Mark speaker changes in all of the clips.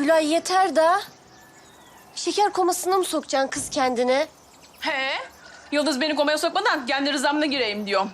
Speaker 1: Gülay yeter da. Şeker komasına mı sokacaksın kız kendine?
Speaker 2: He? Yıldız beni komaya sokmadan kendi rızamla gireyim diyorum.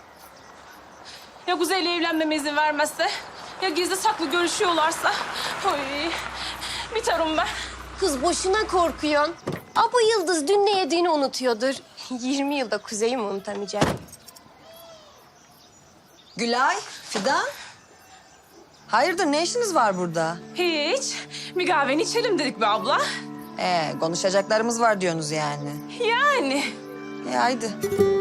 Speaker 2: Ya Kuzey'le evlenmeme izin vermezse, ya gizli saklı görüşüyorlarsa... Oy, biterim ben.
Speaker 1: Kız boşuna korkuyorsun. Bu Yıldız dün ne yediğini unutuyordur. 20 yılda Kuzey'i mi unutamayacak?
Speaker 3: Gülay, Fidan. Hayırdır, ne işiniz var burada?
Speaker 2: Hiç. Bir kahveni içelim dedik be abla.
Speaker 3: Konuşacaklarımız var diyorsunuz yani.
Speaker 2: Yani.
Speaker 3: Haydi.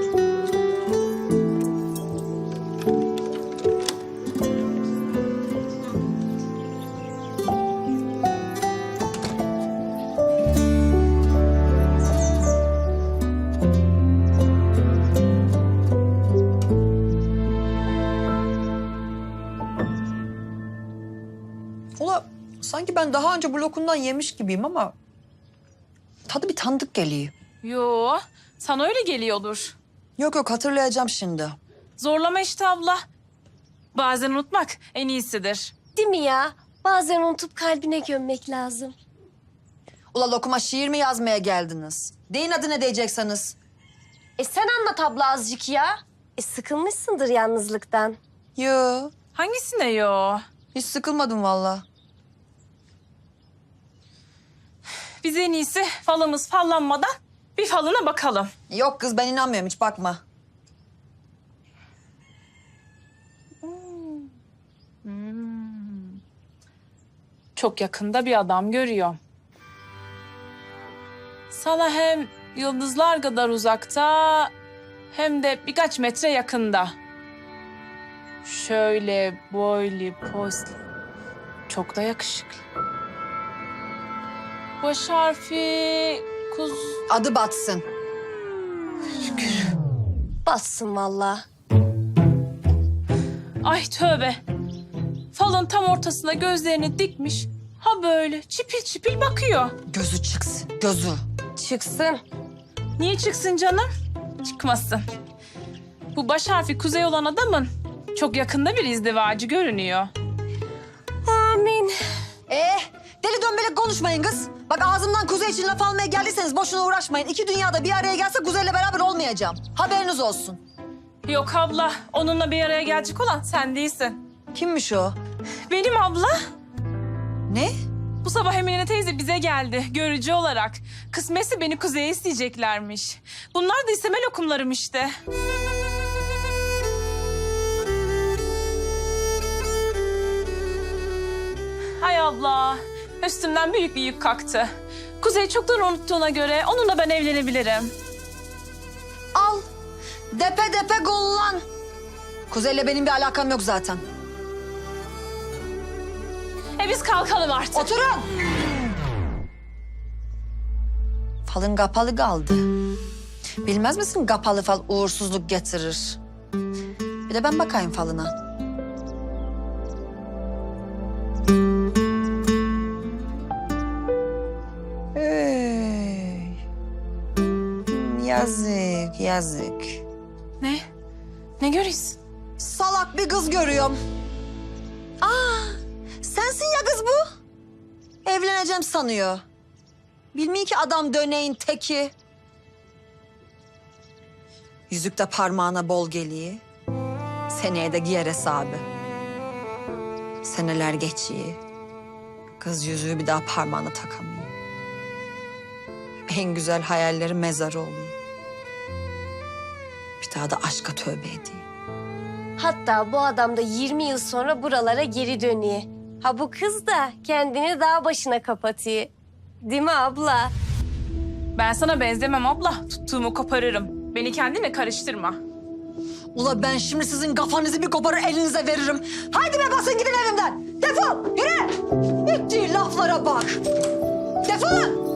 Speaker 3: Ula sanki ben daha önce bu lokumdan yemiş gibiyim ama tadı bir tanıdık geliyor.
Speaker 2: Yo, sana öyle geliyordur.
Speaker 3: Yok hatırlayacağım şimdi.
Speaker 2: Zorlama işte abla. Bazen unutmak en iyisidir.
Speaker 1: Değil mi ya? Bazen unutup kalbine gömmek lazım.
Speaker 3: Ula lokuma şiir mi yazmaya geldiniz? Deyin adı ne diyecekseniz.
Speaker 1: Sen anlat abla azıcık ya. Sıkılmışsındır yalnızlıktan.
Speaker 3: Yo,
Speaker 2: Hangisine yo?
Speaker 3: hiç sıkılmadım vallahi.
Speaker 2: Biz en iyisi falımız fallanmadan bir falına bakalım.
Speaker 3: Yok kız ben inanmıyorum hiç bakma.
Speaker 2: Çok yakında bir adam görüyor. Sana hem yıldızlar kadar uzakta hem de birkaç metre yakında. Şöyle boylu poslu. Çok da yakışıklı. Baş harfi
Speaker 3: Adı batsın.
Speaker 1: Bassın vallahi.
Speaker 2: Ay tövbe. Falın tam ortasına gözlerini dikmiş. Ha böyle çipil çipil bakıyor.
Speaker 3: Gözü çıksın, gözü.
Speaker 1: Çıksın.
Speaker 2: Niye çıksın canım? Çıkmasın. Bu baş harfi kuzey olan adamın çok yakında bir izdivacı görünüyor.
Speaker 1: Amin.
Speaker 3: Deli dönbelek konuşmayın kız. Bak ağzımdan kuzey için laf almaya geldiyseniz boşuna uğraşmayın. İki dünyada bir araya gelse kuzeyle beraber olmayacağım. Haberiniz olsun.
Speaker 2: Yok abla, onunla bir araya gelecek olan sen değilsin.
Speaker 3: Kimmiş o?
Speaker 2: Benim abla.
Speaker 3: Ne?
Speaker 2: Bu sabah Emine teyze bize geldi görücü olarak. Kısmetse beni kuzeye isteyeceklermiş. Bunlar da isteme lokumlarım işte. Hay abla, üstümden büyük bir yük kalktı. Kuzey çoktan unuttuğuna göre onunla ben evlenebilirim.
Speaker 3: Al. Depe depe gollan. Kuzeyle benim bir alakam yok zaten.
Speaker 2: Biz kalkalım artık.
Speaker 3: Oturun. Falın kapalı kaldı. Bilmez misin kapalı fal uğursuzluk getirir. Bir de ben bakayım falına. Hey. Yazık, yazık.
Speaker 2: Ne? Ne görüyorsun?
Speaker 3: Salak bir kız görüyorum. Sensin ya kız bu. Evleneceğim sanıyor. Bilmiyor ki adam döneğin teki. Yüzük de parmağına bol geliyor. Seneye de giyer hesabı. Seneler geçiyor. Kız yüzüğü bir daha parmağına takamıyor. En güzel hayalleri mezarı oluyor. Bir daha da aşka tövbe ediyor.
Speaker 1: Hatta bu adam da 20 yıl sonra buralara geri dönüyor. Ha bu kız da kendini dağ başına kapatıyor. Değil mi abla?
Speaker 2: Ben sana benzemem abla. Tuttuğumu koparırım. Beni kendine karıştırma.
Speaker 3: Ula ben şimdi sizin kafanızı bir koparır elinize veririm. Haydi be basın gidin evimden. Defol yürü. Ettiği laflara bak. Defolun.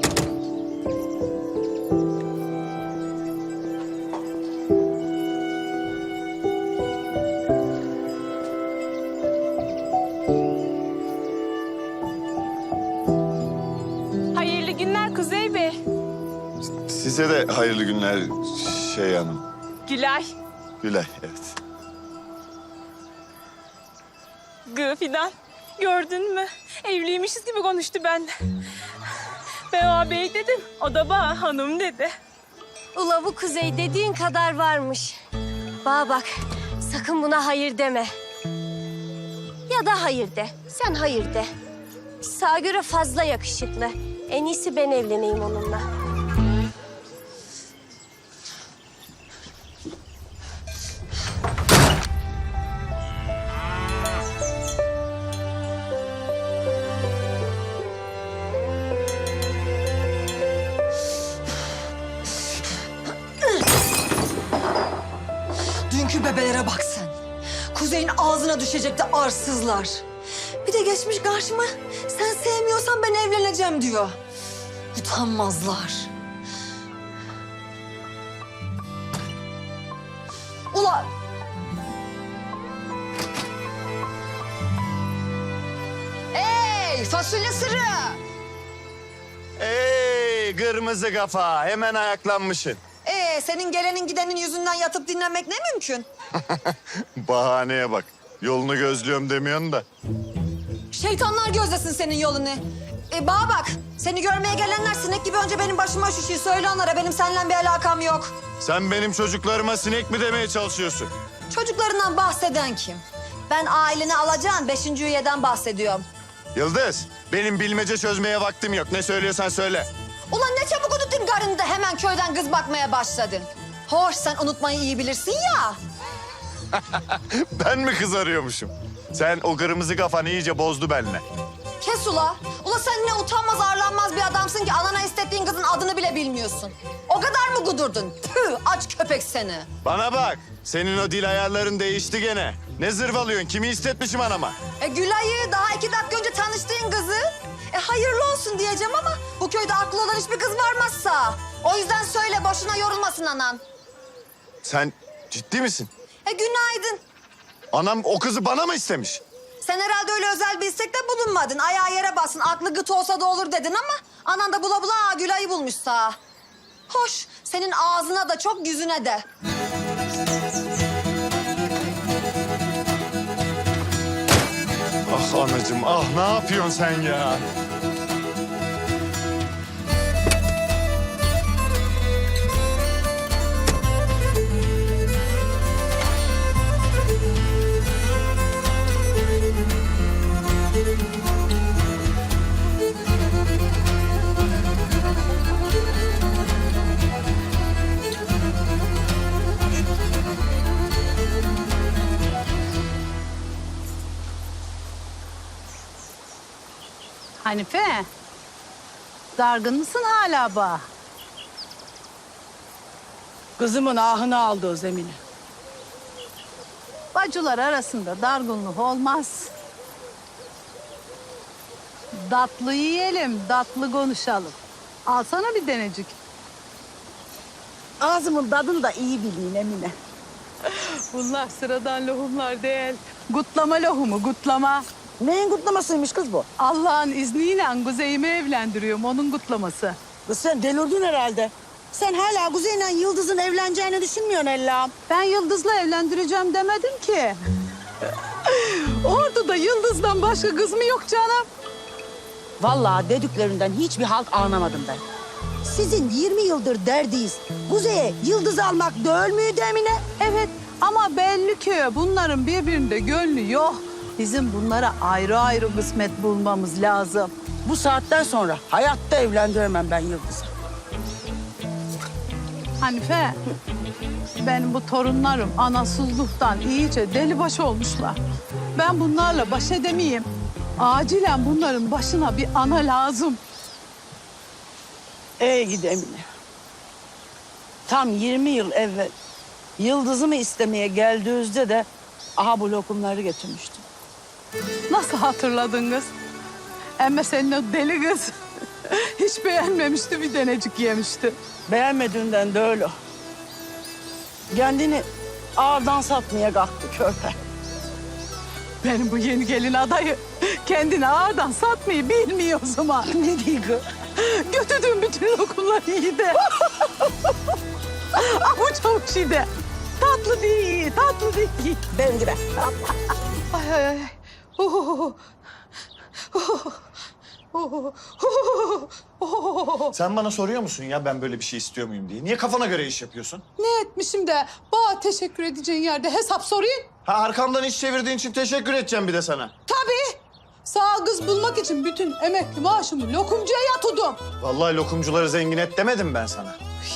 Speaker 2: Hayırlı günler Kuzey Bey.
Speaker 4: Size de hayırlı günler şey hanım.
Speaker 2: Gülay.
Speaker 4: Gülay, evet.
Speaker 2: Gı Fidan. Gördün mü? Evliymişiz gibi konuştu benden. Ben ağabey dedim. O da bana hanım dedi.
Speaker 1: Ula bu Kuzey dediğin kadar varmış. Bana bak, sakın buna hayır deme. Ya da hayır de, sen hayır de. Sağa göre fazla yakışıklı. En iyisi ben evleneyim onunla.
Speaker 3: Dünkü bebelere bak sen. Kuzey'in ağzına düşecekti arsızlar. Bir de geçmiş karşıma sen sevmiyorsan ben evleneceğim diyor. Utanmazlar. Ula! Ey fasulye sırrı!
Speaker 4: Ey kırmızı kafa, hemen ayaklanmışsın.
Speaker 3: Senin gelenin gidenin yüzünden yatıp dinlenmek ne mümkün?
Speaker 4: Bahaneye bak. Yolunu gözlüyorum demiyorsun da.
Speaker 3: Şeytanlar gözlesin senin yolunu. Bana bak, seni görmeye gelenler sinek gibi önce benim başıma şişiyor. Söyle onlara, benim seninle bir alakam yok.
Speaker 4: Sen benim çocuklarıma sinek mi demeye çalışıyorsun?
Speaker 3: Çocuklarından bahseden kim? Ben aileni alacağın 5. üyeden bahsediyorum.
Speaker 4: Yıldız, benim bilmece çözmeye vaktim yok. Ne söylüyorsan söyle.
Speaker 3: Ulan ne çabuk unuttun karını da hemen köyden kız bakmaya başladın. Hoş, sen unutmayı iyi bilirsin ya.
Speaker 4: Ben mi kız arıyormuşum? Sen o kırmızı kafanı iyice bozdu benimle.
Speaker 3: Kes ula. Ula sen ne utanmaz arlanmaz bir adamsın ki anana istettiğin kızın adını bile bilmiyorsun. O kadar mı gudurdun? Tüh, aç köpek seni.
Speaker 4: Bana bak, senin o dil ayarların değişti gene. Ne zırvalıyorsun? Kimi istetmişim anama?
Speaker 3: Gülay'ı daha 2 dakika önce tanıştığın kızı. Hayırlı olsun diyeceğim ama bu köyde aklı olan hiçbir kız varmazsa. O yüzden söyle, boşuna yorulmasın anan.
Speaker 4: Sen ciddi misin?
Speaker 3: Günaydın.
Speaker 4: Anam o kızı bana mı istemiş?
Speaker 3: Sen herhalde öyle özel bir istekte bulunmadın. Ayağı yere basın, aklı gıt olsa da olur dedin ama anan da bula bula Gülay'ı bulmuş sağ. Hoş, senin ağzına da çok yüzüne de.
Speaker 4: Ah anacığım, ah ne yapıyorsun sen ya?
Speaker 5: Hanife, dargın mısın hala ba?
Speaker 6: Kızımın ahını aldı o zemini.
Speaker 5: Bacılar arasında dargınlık olmaz. Tatlı yiyelim, tatlı konuşalım. Alsana bir denecik.
Speaker 6: Ağzımın tadını da iyi bileyim Emine.
Speaker 5: Bunlar sıradan lohumlar değil. Gutlama lohumu, gutlama.
Speaker 6: Neyin kutlamasıymış kız bu?
Speaker 5: Allah'ın izniyle Kuzey'imi evlendiriyorum, onun kutlaması.
Speaker 6: Kız sen delirdin herhalde. Sen hala Kuzey'le Yıldız'ın evleneceğini düşünmüyorsun Allah'ım.
Speaker 5: Ben Yıldız'la evlendireceğim demedim ki. Ordu'da Yıldız'dan başka kız mı yok canım?
Speaker 6: Vallahi dediklerinden hiçbir halt anlamadım ben. Sizin 20 yıldır derdiyiz. Kuzey'e Yıldız almak değil miydi Emine?
Speaker 5: Evet ama belli ki bunların birbirinde gönlü yok. Bizim bunlara ayrı ayrı kısmet bulmamız lazım.
Speaker 6: Bu saatten sonra hayatta evlendiremem ben Yıldız'ı.
Speaker 5: Hanife, benim bu torunlarım anasızlıktan iyice delibaş olmuşlar. Ben bunlarla baş edemeyeyim. Acilen bunların başına bir ana lazım.
Speaker 6: Gidi Emine. Tam 20 yıl evvel Yıldız'ımı istemeye geldiğinizde de aha bu lokumları getirmiştim.
Speaker 5: Nasıl hatırladın kız? Ama senin o deli kız hiç beğenmemişti, bir denecik yemişti.
Speaker 6: Beğenmediğinden de öyle. Kendini ağırdan satmaya kalktı körpe.
Speaker 5: Benim bu yeni gelin adayı kendini ağırdan satmayı bilmiyor o zaman.
Speaker 6: Ne diyor?
Speaker 5: Götürdüğüm bütün lokumları yedi. Ama çok şeyde. Tatlı değil, tatlı değil.
Speaker 6: Benim gibi.
Speaker 5: Ay ay ay.
Speaker 4: Sen bana soruyor musun ya ben böyle bir şey istiyor muyum diye? Niye kafana göre iş yapıyorsun?
Speaker 5: Ne etmişim de bana teşekkür edeceğin yerde hesap sorayım?
Speaker 4: Ha arkamdan iş çevirdiğin için teşekkür edeceğim bir de sana.
Speaker 5: Tabii. Sağ kız bulmak için bütün emekli maaşımı lokumcuya yatırdım.
Speaker 4: Vallahi lokumcuları zengin et demedim ben sana.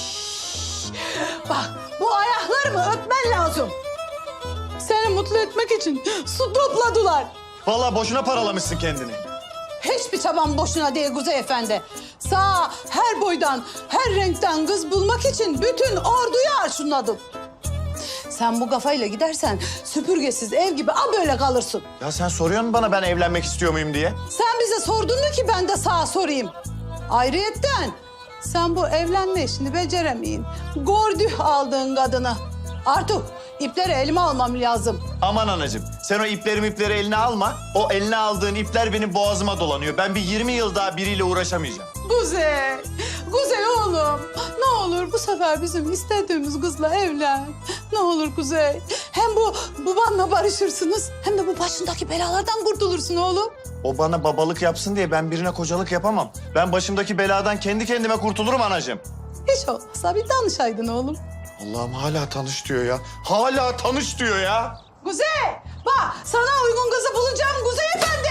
Speaker 5: Bak bu ayaklarımı öpmen lazım. Seni mutlu etmek için su topladılar.
Speaker 4: Vallahi boşuna paralamışsın kendini.
Speaker 5: Hiçbir çabam boşuna değil Kuzey Efendi. Sağ her boydan, her renkten kız bulmak için bütün orduyu arşınladım. Sen bu kafayla gidersen süpürgesiz ev gibi böyle kalırsın.
Speaker 4: Ya sen soruyorsun bana ben evlenmek istiyor muyum diye.
Speaker 5: Sen bize sordun mu ki ben de sağa sorayım? Ayrıyetten sen bu evlenme işini beceremeyin. Gördük aldığın kadını. Artık ipleri elime almam lazım.
Speaker 4: Aman anacığım sen o ipleri eline alma. O eline aldığın ipler benim boğazıma dolanıyor. Ben bir 20 yıl daha biriyle uğraşamayacağım.
Speaker 5: Kuzey, Kuzey oğlum. Ne olur bu sefer bizim istediğimiz kızla evlen. Ne olur Kuzey. Hem bu babanla barışırsınız hem de bu başındaki belalardan kurtulursun oğlum.
Speaker 4: O bana babalık yapsın diye ben birine kocalık yapamam. Ben başımdaki beladan kendi kendime kurtulurum anacığım.
Speaker 5: Hiç olmazsa bir danışaydın oğlum.
Speaker 4: Allah'ım hala tanış diyor ya. Hala tanış diyor ya.
Speaker 5: Kuzey, bak sana uygun kızı bulacağım Kuzey Efendi.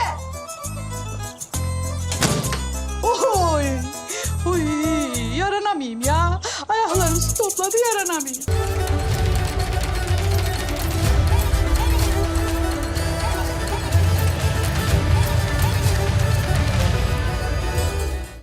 Speaker 5: Oy, oy, yaranamayayım ya. Ayaklarım su topladı, yaranamayayım.